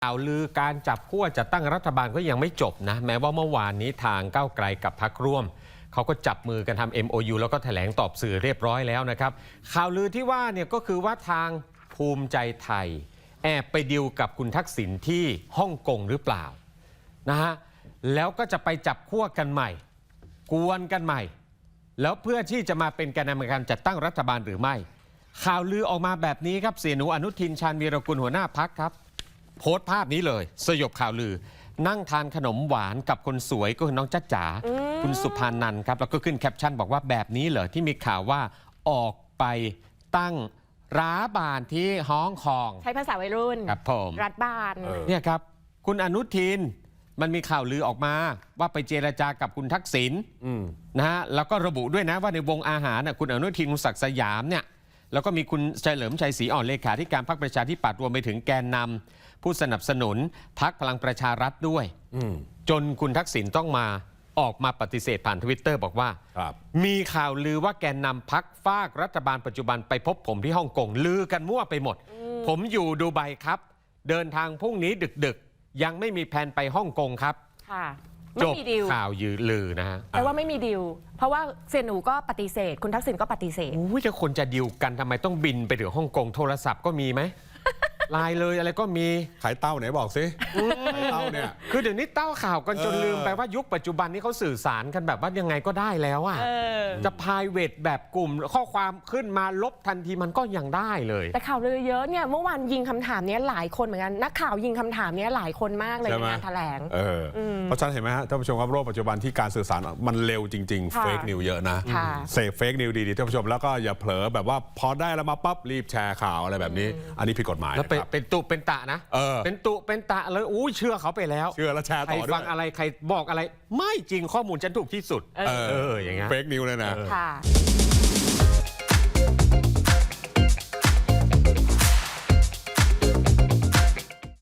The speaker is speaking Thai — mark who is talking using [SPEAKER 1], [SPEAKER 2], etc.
[SPEAKER 1] ข่าวลือการจับขั้วจัดตั้งรัฐบาลก็ยังไม่จบนะแม้ว่าเมื่อวานนี้ทางก้าวไกลกับพรรคร่วมเขาก็จับมือกันทำ MOU แล้วก็แถลงตอบสื่อเรียบร้อยแล้วนะครับข่าวลือที่ว่าเนี่ยก็คือว่าทางภูมิใจไทยแอบไปดิวกับคุณทักษิณที่ฮ่องกงหรือเปล่านะฮะแล้วก็จะไปจับขั้วกันใหม่กวนกันใหม่แล้วเพื่อที่จะมาเป็นแกนนำในการจัดตั้งรัฐบาลหรือไม่ข่าวลือออกมาแบบนี้ครับเสียหนูอนุทินชาญวีรกุลหัวหน้าพรรคครับโพสต์ภาพนี้เลยสยบข่าวลือนั่งทานขนมหวานกับคนสวยก็คือน้องจ๊ะจ๋าคุณสุภานันท์ครับแล้วก็ขึ้นแคปชั่นบอกว่าแบบนี้เหรอที่มีข่าวว่าออกไปตั้งร้านบานที่ฮ่องกง
[SPEAKER 2] ใช้ภาษาวัยรุ่น
[SPEAKER 1] ครับผม
[SPEAKER 2] รัฐบาล
[SPEAKER 1] เนี่ยครับคุณอนุทินมันมีข่าวลือออกมาว่าไปเจรจากับคุณทักษิณนะฮะแล้วก็ระบุด้วยนะว่าในวงอาหารคุณอนุทินคุณศักดิ์สยามเนี่ยแล้วก็มีคุณเฉลิมชัยศรีอ่อนเลขาธิการพรรคประชาธิปัตย์รวมไปถึงแกนนำผู้สนับสนุนพรรคพลังประชารัฐด้วยจนคุณทักษิณต้องมาออกมาปฏิเสธผ่าน Twitter บอกว่ามีข่าวลือว่าแกนนำพรรคฝากรัฐบาลปัจจุบันไปพบผมที่ฮ่องกงลือกันมั่วไปหมดผมอยู่ดูไบครับเดินทางพรุ่งนี้ดึกๆยังไม่มีแผนไปฮ่องกงครับ
[SPEAKER 2] ไม่มีดิว
[SPEAKER 1] ข่าวลือนะฮะ
[SPEAKER 2] แปลว่าไม่มีดิวเพราะว่าเสี่ยหนูก็ปฏิเสธคุณทักษิณก็ปฏิเสธ
[SPEAKER 1] จะคนจะดิวกันทำไมต้องบินไปถึงฮ่องกงโทรศัพท์ก็มีไหมไลน์เลยอะไรก็มี
[SPEAKER 3] ขายเต้าไหนบอกสิขายเต้าเนี่ย
[SPEAKER 1] คือเดี๋ยวนี้เต้าข่าวกันจนลืมไปว่ายุคปัจจุบันนี้เขาสื่อสารกันแบบว่ายังไงก็ได้แล้วอ่ะจะprivateแบบกลุ่มข้อความขึ้นมาลบทันทีมันก็ยังได้เลย
[SPEAKER 2] แต่ข่าวลือเยอะเนี่ยเมื่อวานยิงคำถามนี้หลายคนเหมือนกันนักข่าวยิงคำถามนี้หลายคนมากเลยในงานแถลง
[SPEAKER 3] เพราะฉะนั้นเห็นไหมฮะท่านผู้ชมครับโลกปัจจุบันที่การสื่อสารมันเร็วจริงๆเฟกนิวเยอะนะเสพเฟกนิวดีๆท่านผู้ชมแล้วก็อย่าเผลอแบบว่าพอได้แล้วมาปั๊บรีบแชร์ข่าวอะไรแบบนี้อันนี้ผิดกฎหมาย
[SPEAKER 1] แล้วเป็นตุเป็นตะนะเป็นตุเป็นตะเลยเชื่อเขาไปแล้ว
[SPEAKER 3] เชื่อแล้วแชร์ต่อด้วย
[SPEAKER 1] ใครฟังอะไรใครบอกอะไรไม่จริงข้อมูลฉันถูกที่สุดอย่างเงี้ย
[SPEAKER 3] เฟกนิวเลยนะ